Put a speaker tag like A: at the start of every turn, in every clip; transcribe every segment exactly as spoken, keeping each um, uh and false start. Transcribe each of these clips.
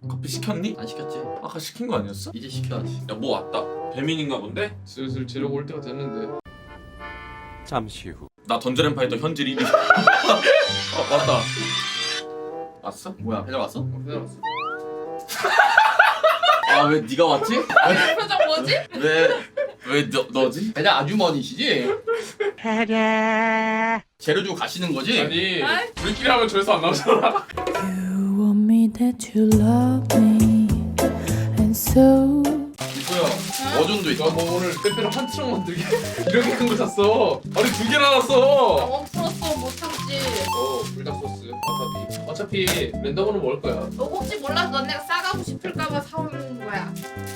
A: 커피 시켰니?
B: 안 시켰지?
A: 아까 시킨 거 아니었어?
B: 이제 시켜야지.
A: 야 뭐 왔다. 배민인가 본데?
C: 슬슬 재려고 올 때가 됐는데.
D: 잠시 후.
A: 나 던전 엠파이터 현질 일 위.
C: 아 맞다.
A: 왔어?
B: 뭐야 배달 왔어?
C: 어, 기다렸어.
B: 아 왜 네가 왔지?
E: 표정 뭐지?
B: 왜
A: 왜 너, 너지?
B: 배달 아주머니시지? 재료 주고 가시는 거지?
C: 아니
E: 아이.
C: 우리끼리 하면 조회수 안 나오잖아.
F: You want me that you love me, and so
B: 이거야. 어준도 있어.
C: 너뭐 오늘 빼빼로 한 트럭 만들게 이렇게 큰 거 샀어. 아니 두 개나 놨어.
E: 너무 풀었어 못 참지.
C: 어 불닭 소스 와사비. 어차피 랜덤으로 먹을 거야.
E: 너 혹시 몰라서 너네가 싸가고 싶을까봐 사오는 거야.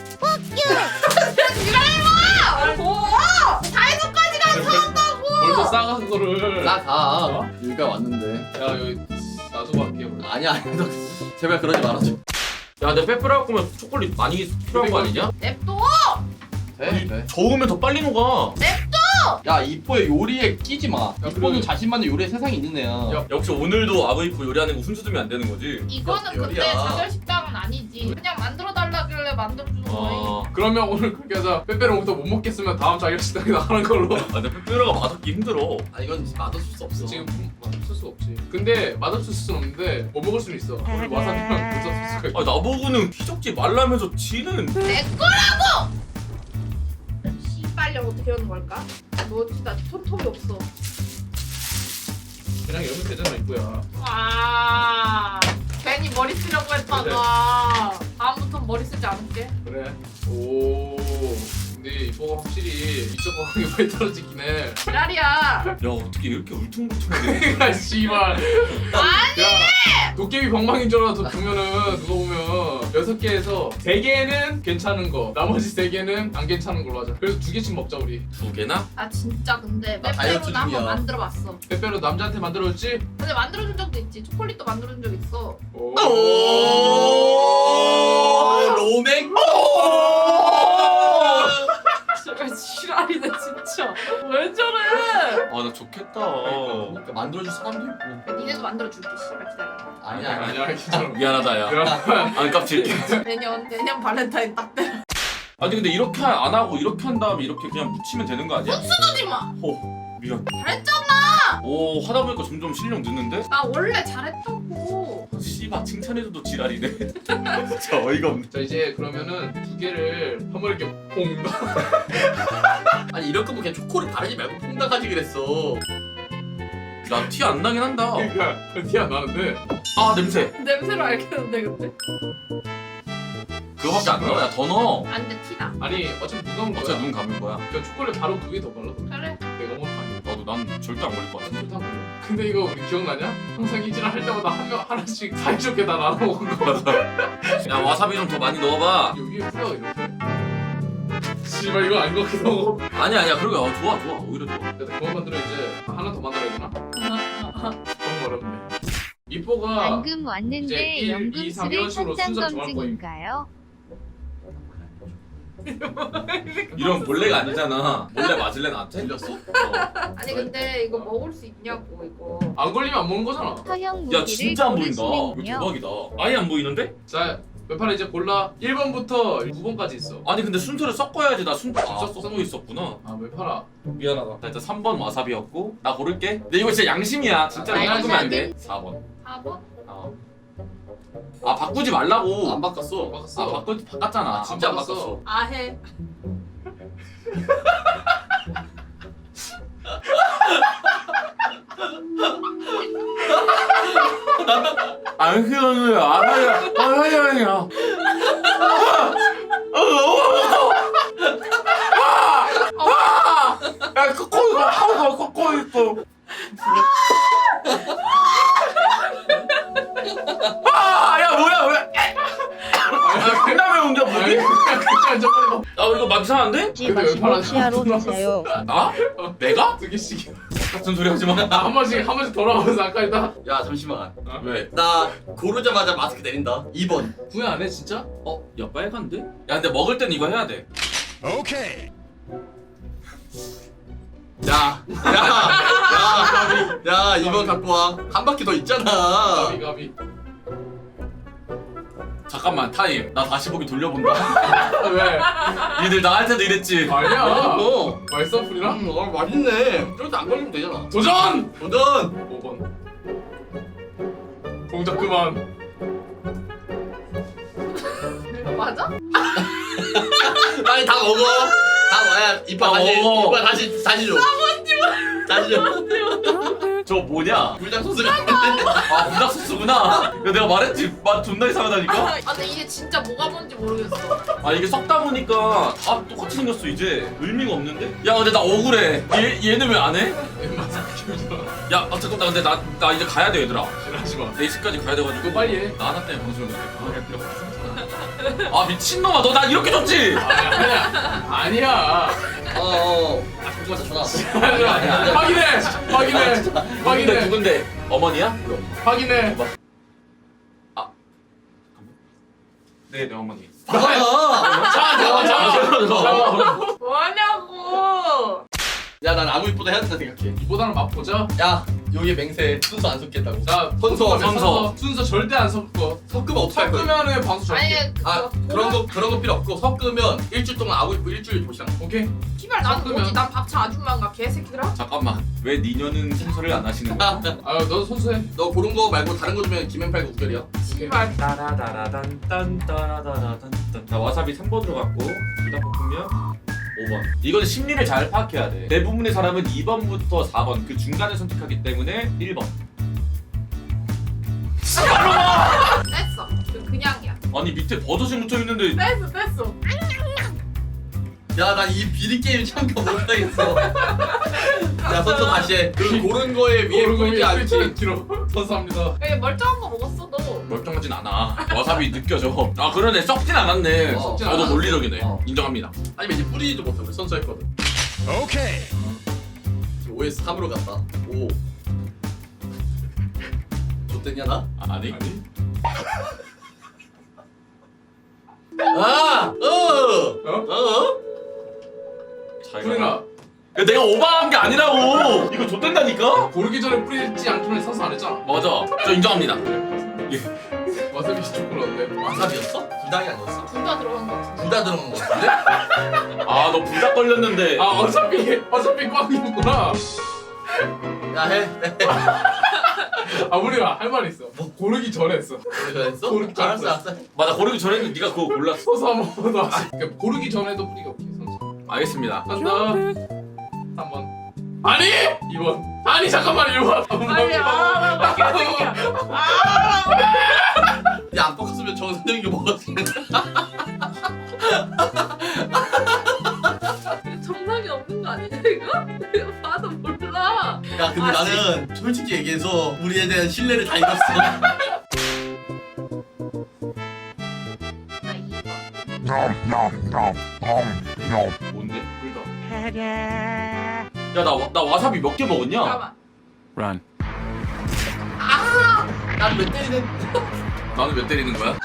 E: 이거 뭐? 다이소까지 가서 사온다고.
C: 벌써 싸간 거를.
B: 나가.
C: 어?
B: 여기가 왔는데.
C: 야 여기 놔두고 갈게요. 그럼.
B: 아니야 아니야. 너 제발 그러지 말아줘.
A: 야 근데 빼빼로 할 거면 초콜릿 많이 필요한 거 아니냐?
E: 냅둬.
B: 돼? 돼.
A: 저으면 더 빨리 녹아.
B: 야 이뻐의 요리에 끼지 마. 이뻐는
C: 그리고-
B: 자신만의 요리에 세상에 있는 애야.
C: 야,
A: 역시 오늘도 아브이프 요리하는 거 훈수 두면 안 되는 거지.
E: 이거는 근데
B: 열이야.
E: 자결 식당은 아니지. 그냥 만들어 달라길래 만들어 주는 거야.
A: 아,
C: 그러면 오늘 그렇게 하자. 빼빼로부터 못 먹겠으면 다음 자기 식당에 나가는 걸로.
A: 아 근데 빼빼로가 맛없기 힘들어.
B: 아 이건 맛없을 수 없어.
C: 지금 맛없을 수 없지. 근데 맛없을 수는 없는데 못 먹을 수는 있어. 우리 와사비랑 불닭 소스가 있어.
A: 아 나보고는 휘적지 말라면서 지는.
E: 내 거라고. 씨발려 어떻게 하는 걸까? 너 진짜 손톱이 없어.
C: 그냥 열면 되잖아 이쁘야.
E: 아 괜히 머리 쓰려고 했다가 다음부터 머리 쓰지 않을게.
C: 그래. 오. 근데 이뻐가 확실히 이쪽 가방이 많이 떨어지긴 해.
E: 지랄이야.
A: 야 어떻게 이렇게 울퉁불퉁하게.
C: 야 씨발.
E: 아니.
C: 야 도깨비 방망인 줄 알아서 보면은 누가 보면 여섯 개에서 세 개는 괜찮은 거, 나머지 세 개는 안 괜찮은 걸로 하자. 그래서 두 개씩 먹자 우리.
A: 두 개나?
E: 나 진짜 근데
B: 나 다이어트
E: 빼빼로도 한번
B: 중이야.
E: 만들어봤어.
C: 빼빼로 남자한테 만들어줬지?
E: 근데 만들어준 적도 있지. 초콜릿도 만들어준 적 있어.
C: 오.
B: 오 로맹.
E: 정말 지랄이네 진짜. 왜 저래?
A: 아 나 좋겠다.
B: 그러니까 만들어줄 사람도 있고.
E: 니네도 만들어줄게. 씨발 기다려.
B: 아니야 아니야.
C: 아니야 괜찮아.
A: 미안하다 야.
C: 그럼
A: 안 깝칠게.
E: 내년 내년 발렌타인 딱 때.
A: 아니 근데 이렇게 안 하고 이렇게 한 다음에 이렇게 그냥 묻히면 되는 거 아니야?
E: 쓰지 마.
A: 호 미안.
E: 잘했잖아.
A: 오 하다 보니까 점점 실력 느는데?
E: 나 원래 잘했다고.
A: 씨발 칭찬해줘도 지랄이네. 진짜 어이가 없네.
C: 자 이제 그러면은 두 개를 한 번에 이렇게 퐁.
B: 아니 이럴 거면 그냥 초콜릿 바르지 말고 퐁당하지 그랬어.
A: 나 티 안 나긴 한다.
C: 그러니까 티 안 나는데.
A: 아 냄새.
E: 냄새로 알겠는데 근데.
A: 그거밖에 안 넣어. 야 더 넣어.
E: 안돼 티나.
C: 아니 어차피 눈 감은 거야.
A: 어차피 눈 감을 거야.
C: 그러니까 초콜릿 바로 두 개 더 발라.
E: 그래.
C: 내가 먹을 거 아니야.
A: 나도 난 절대 안 걸릴 것 같아.
C: 술다 걸려. 근데 이거 우리 기억나냐? 항상 이질을 할 때마다 한 명 하나씩 사이좋게 다 나눠 먹은 거.
A: 야 와사비 좀 더 많이 넣어봐.
C: 여기에 풀어 이렇게. 씨발 이거 아닌 것 같기도 하고.
A: 아니야 아니야 그러게. 어, 좋아 좋아 오히려 좋아.
C: 야, 그만 만들어 이제. 하나 더 만들어야 되나? 너무 어렵네. 이뽀가
G: 방금
C: 이제
G: 왔는데
C: 일, 이, 삼 이런
G: 연금술을
C: 식으로
G: 현장
C: 순서 정할
G: 검증인가요?
A: 이런 몰래가 아니잖아. 몰래 맞을래 나한테?
B: 들렸어?
A: 어.
E: 아니 근데 이거 먹을 수 있냐고 이거.
C: 안 걸리면 안 먹는 거잖아.
G: 서형
A: 야
G: 무기를
A: 진짜 안 보인다. 이거
G: 고르시는군요.
A: 대박이다. 아예 안 보이는데?
C: 자, 몇 판에 이제 골라. 일 번부터 구 번까지 있어.
A: 아니 근데 순서를 섞어야지. 나 순서
C: 아,
A: 직접 섞고 있었구나.
C: 아, 왜 팔아?
A: 미안하다. 자 일단 삼 번 와사비였고 나 고를게. 근데 이거 진짜 양심이야. 진짜
E: 아,
A: 이거 끄면 안 돼. 사 번.
E: 사 번?
A: 어. 아 바꾸지 말라고.
B: 안 바꿨어.
C: 바꿨어.
A: 아 바꾸 바꿨잖아.
B: 아, 진짜 안
C: 바꿨어.
B: 바꿨어.
E: 아 해.
A: 안 쓰는 알아야 알아야야. 야 꺾고 있어. 하고 꺾고 있어. 아야 뭐야 왜? 아 콩나물 옮겨
C: 아니,
A: 뭐니?
C: 그냥 그냥 저거
A: 아 이거 막 이상한데?
C: 근데 왜 팔아?
F: 시야로 드세요.
A: 나? 내가?
C: 두 개씩.
A: 같은 소리 하지 마.
C: 한 번씩 한 번씩 돌아가면서 아까 일단
B: 야 잠시만.
A: 왜?
B: 나 고르자마자 마스크 내린다. 이 번.
C: 후회 안 해 진짜?
A: 어? 야 빨간데? 야 근데 먹을 땐 이거 해야 돼.
B: 야, 야, 야, 야, 이 번 갖고 와. 한 바퀴 더 있잖아.
C: 가비 가비.
A: 잠깐만 타임. 나 다시 보기 돌려본다.
C: 아, 왜?
A: 니들 나한테도 이랬지.
C: 아니야.
B: 어.
C: 맛있어 프리랑?
B: 음, 어, 맛있네. 저렇게 안 걸리면 되잖아.
C: 도전!
B: 도전.
C: 오 번. 동작 그만.
E: 이거 맞아?
B: 빨리 다 먹어. 다 먹어야 이빨
A: 다
B: 다시
A: 먹어.
B: 이빨 다시 다시 줘. 다시 줘.
A: 저 뭐냐?
B: 불닭 소스가 있는데.
A: 아 불닭 소스구나. 야, 내가 말했지 맛 존나 이상하다니까.
E: 아 근데 이게 진짜 뭐가 뭔지 모르겠어.
A: 아 이게 섞다 보니까 다 똑같이 생겼어 이제. 의미가 없는데? 야 근데 나 억울해. 얘 얘는 왜 안 해? 야 아, 잠깐 나 근데 나 나 이제 가야 돼 얘들아.
C: 하지 마.
A: 네 시까지 가야 돼가지고.
C: 이거 빨리 해.
A: 나 하나 때문에 방송을 못해. 아 미친놈아 너 나 이렇게 줬지?
C: 아니야. 아니야.
B: 어. 어. 아 잠깐만 전화 왔어.
C: 아니야.
B: 아니야, 아니야.
C: 확인해. 확인해.
A: 누군데
C: 확인해.
A: 누군데? 어머니야?
C: 확인해.
A: 네, 내 어머니.
B: 아.
C: 자, 잠깐, 잠깐. 잠깐.
E: 뭐냐고.
B: 야, 난 아무 입보다 해야 된다 생각해.
C: 이보다는 맛보자.
B: 야, 여기 맹세 순서 안 섞겠다고.
C: 자,
B: 선서,
A: 선서.
C: 순서 절대 안 섞어.
B: 섞으면 어떡할 거야?
C: 섞으면은 방수 절대.
E: 아니
B: 아, 그런 거 그런 거 필요 없고 섞으면 일주일 동안 아구 입고 일주일 도시락.
C: 오케이.
E: 키발 나는
C: 섞으면.
E: 뭐지? 난 밥차 아줌마인가 개새끼들아?
A: 잠깐만. 왜 니녀는 순서를 안 하시는 거야?
C: 아, 너도 선수해.
B: 너 고른 거 말고 다른 거 주면 김앤팔과 우결이야.
E: 키발.
A: 따라다라단딴따라다라단딴. 나 와사비 삼 번으로 갔고 불닭볶음면 오 번. 이건 심리를 잘 파악해야 돼. 대부분의 사람은 이 번부터 사 번 그 중간을 선택하기 때문에 일 번.
E: 뺐어. 그 그냥이야.
A: 아니 밑에 버섯이 묻혀 있는데.
E: 뺐어 뺐어.
B: 야, 나 이 비리 게임 참가 못하겠어. 야, 선서 다시 해. 그 고른 거에 위에
C: 고른 거
B: 포인트
C: 위에
B: 안 치.
C: 스위치 뒤로. 선수합니다.
E: 왜 멀쩡한 거 먹었어 너?
A: 멀쩡하진 않아. 와사비 느껴져. 아 그러네 썩진 않았네.
B: 어,
C: 썩진
A: 저도
C: 않았어.
A: 논리적이네.
B: 어.
A: 인정합니다.
B: 아니면 이제 뿌리지도 못해. 우리 선서 했거든.
D: 오케이.
B: 지금 오에서 삼으로 갔다. 오. 좋댔냐 나?
A: 아, 아니?
C: 아니?
B: 아! 어!
C: 어?
B: 어?
A: 잘
C: 프리나.
A: 가라. 야, 내가 오버한 게 아니라고. 이거 좆된다니까?
C: 고르기 전에 뿌리지 않기로 선수 안 했잖아.
A: 맞아. 저 인정합니다.
C: 와사비 초콜릿 어때?
B: 와사비였어? 불닭이 아니었어?
E: 둘 다 들어간 거 같은데.
B: 둘 다 들어간 거 같은데?
A: 아 너 불닭 걸렸는데.
C: 아, 어차피 어차피 꽝이었구나.
B: 야, 해.
C: 아, 우리가 할 말 있어.
B: 뭐?
C: 고르기 전에 했어.
B: 그래 했어?
C: 고르기 전에
B: 알았어,
C: 했어.
B: 알았어.
A: 맞아 고르기 전에는 네가 그거 골랐어.
C: 서서 한번 더 하자. 그러니까 고르기 전에도 뿌리가 오케이 선수.
A: 알겠습니다.
C: 간다. 삼 번. 아니! 이 번. 아니 잠깐만 일 번.
E: 빨리 아나 개새끼야.
B: 야, 안 뻑었으면 정선영이 먹었을 텐데.
E: 정상이 없는 거 아니냐 이거? 이거 봐도 몰라.
B: 야, 근데
E: 아,
B: 나는 솔직히 얘기해서 우리에 대한 신뢰를 다 잃었어.
E: 나 이 번.
A: 뭔데?
C: 불닭.
A: 야나 나 와사비 몇 개 먹었냐?
E: 잠깐만.
D: Run.
B: 난 몇 때리는.
A: 나는 몇 때리는 거야?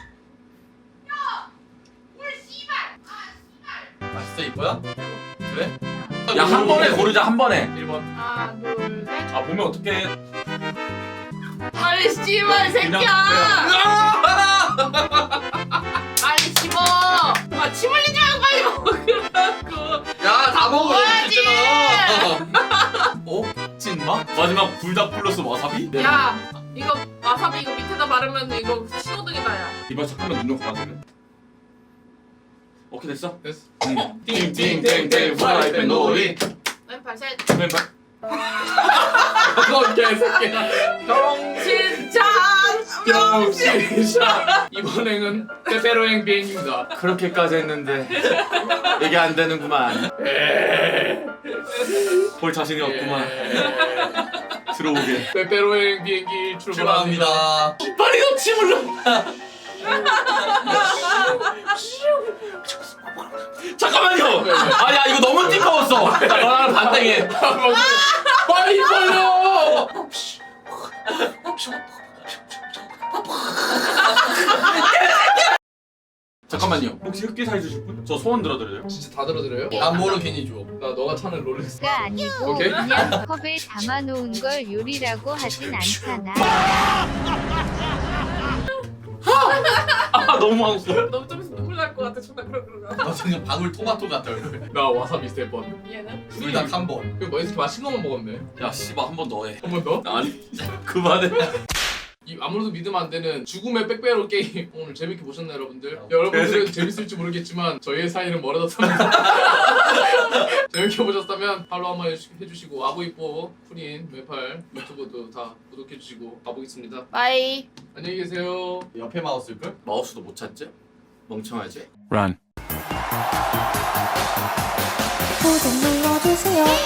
B: 맛있어, 이뻐야? 그래?
A: 야 한 번에 고르자 한 번에.
C: 일 번.
E: 하나 둘 셋.
A: 아 보면 어떡해.
E: 빨리 씨발
A: 그냥
E: 새끼야. 빨리 씹어. 아침 흘리지 말고 빨리 먹으라고.
B: 야, 다 먹어.
E: 먹어야지.
B: 있잖아.
A: 어? 찐마? 마지막 불닭 플러스 와사비?
E: 야 이거 와사비 이거 밑에다 바르면 이거 신호등이다 야.
A: 이발 잠깐만 눈좀 감아주면. 오케이 됐어?
C: 됐어.
A: 응.
C: 띵띵띵띵 프라이팬 놀이.
E: 왼팔 셋.
A: 왼발.
C: 너 개새끼야.
E: 정신 차려.
C: 병신이샤. 이번 행은 페페로행 비행입니다.
A: 그렇게까지 했는데 이게 안 되는구만. 볼 자신이 없구만. 들어오게.
C: 페페로행 비행기 출발합니다.
B: 출발합니다.
A: 빨리 너 침을 넣어. 잠깐만요. 아야 이거 너무 띠꺼웠어. 자 너랑 반땡해.
C: 빨리 걸려.
A: 잠깐만요. 혹시 흑기사 해주실 분? 저 소원 들어드려요.
C: 진짜 다 들어드려요?
B: 안보는 괜히 줘.
C: 나 너가 차는 롤렉스.
G: 가 아니고
C: 오케이.
G: 그냥 컵에 담아놓은 걸 요리라고 하진 않잖아.
A: 아 아 너무 하고 싶어.
E: 너무 좀 있으면 눈물 날 것 같아. 존나 그러 그러다.
B: 너 지금 방울 토마토 같아 얼굴.
C: 나 와사비 세 번.
E: 얘는?
B: 둘 다 한 번.
C: 그뭐 이렇게 맛있는 것만 먹었네.
A: 야 씨발 한 번 더 해.
C: 한 번 더?
A: 아니 그만해.
C: 이 아무래도 믿으면 안 되는 죽음의 백배로 게임 오늘 재밌게 보셨나요 여러분들? 여러분들은 재밌을지 모르겠지만 저희의 사이는 멀어졌답니다. 재밌게 보셨다면 팔로우 한번 해주- 해주시고 아보이뽀 프린 웨팔 유튜브도 다 구독해주시고 가보겠습니다.
E: 바이.
C: 안녕히 계세요.
B: 옆에 마우스일걸?
A: 마우스도 못 찾지? 멍청하지?
D: Run.
F: 구독 눌러주세요.